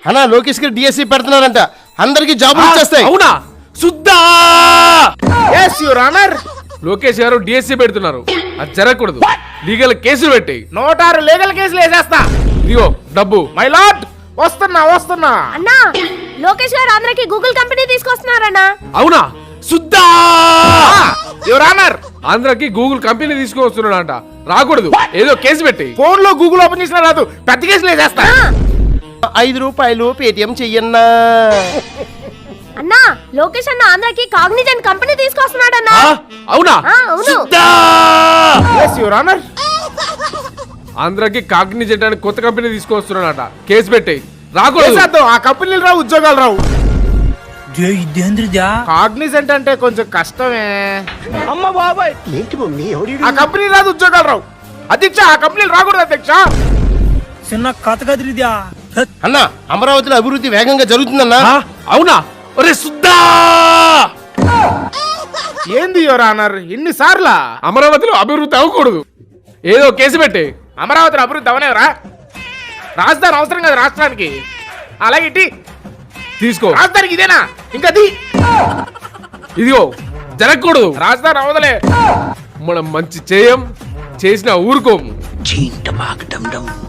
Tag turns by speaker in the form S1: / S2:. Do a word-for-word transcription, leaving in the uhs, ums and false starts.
S1: అన్నా లోకేష్ గారు డిఎస్సి పెడుతున్నారంట, అందరికి జాబులు వచ్చేస్తాయి.
S2: అవునా? సుద్దా
S3: yes your honor.
S2: లోకేష్ గారు డిఎస్సి పెడుతున్నారు, అది జరగకూడదు. లీగల్ కేసులు పెట్టి
S3: నోటారు లీగల్ కేసులు వేసేస్తా.
S2: ఇదిగో డబ్బు.
S3: మై లార్డ్ వస్తున్నా వస్తున్నా.
S4: అన్నా లోకేష్ గారు ఆంధ్రకి గూగుల్ కంపెనీ తీసుకొస్తున్నారన్నా.
S2: అవునా? సుద్దా
S3: యువర్ ఆనర్,
S2: ఆంధ్రకి గూగుల్ కంపెనీ తీసుకొస్తున్నాడంట, రాకూడదు. ఏదో కేసు పెట్టి.
S3: ఫోన్ లో గూగుల్ ఓపెన్ చేసినా రాదు, పెద్ద కేసులు వేసేస్తా.
S1: ఐదు రూపాయలు పేటిఎం చెయ్యన్నా.
S4: అన్నా లోకేష్ అన్న ఆంధ్రకి కాగ్నిజెంట్ కంపెనీ తీసుకొస్తున్నాడన్నా.
S2: అవునా?
S4: అవును.
S2: సుద్దా
S3: yes your honor.
S2: ఆంధ్రకి కాగ్నిజెంట్ అని కొత్త కంపెనీ తీసుకొస్తున్నాడట, కేసు పెట్టి. రాకూడదు.
S3: వేసేద్దాం, ఆ కంపెనీలు రావు, ఉద్యోగాలు రావు. కాగ్నిజెంట్ అంటే కొంచెం కష్టమే. అమ్మ బాబాయ్, ఆ కంపెనీ రాదు, ఉద్యోగాలు రావు. అధ్యక్ష ఆ కంపెనీలు రాకూడదు అధ్యక్ష.
S5: చిన్న కథ కదిరిద్యా.
S1: అన్నా అమరావతిలో అభివృద్ధి వేగంగా జరుగుతుందన్నా.
S2: అవునా? ఒరే సుద్దా,
S3: ఏంది యువర్ ఆనర్ ఇన్ని సార్లా?
S2: అమరావతిలో అభివృద్ధి అవ్వకూడదు, ఏదో కేసు పెట్టి.
S3: అమరావతిలో అభివృద్ధి అవనేవరా? రాజధాని అవసరం కదా రాష్ట్రానికి, అలాగే ఇటీ
S2: తీసుకో.
S3: రాజధానికి ఇదేనా? ఇంకా అది
S2: ఇదిగో జరగకూడదు.
S3: రాజధాని అవదలే.
S2: మనం మంచి చేయం, చేసిన ఊరుకోము.
S5: చీంట బాగ డం డం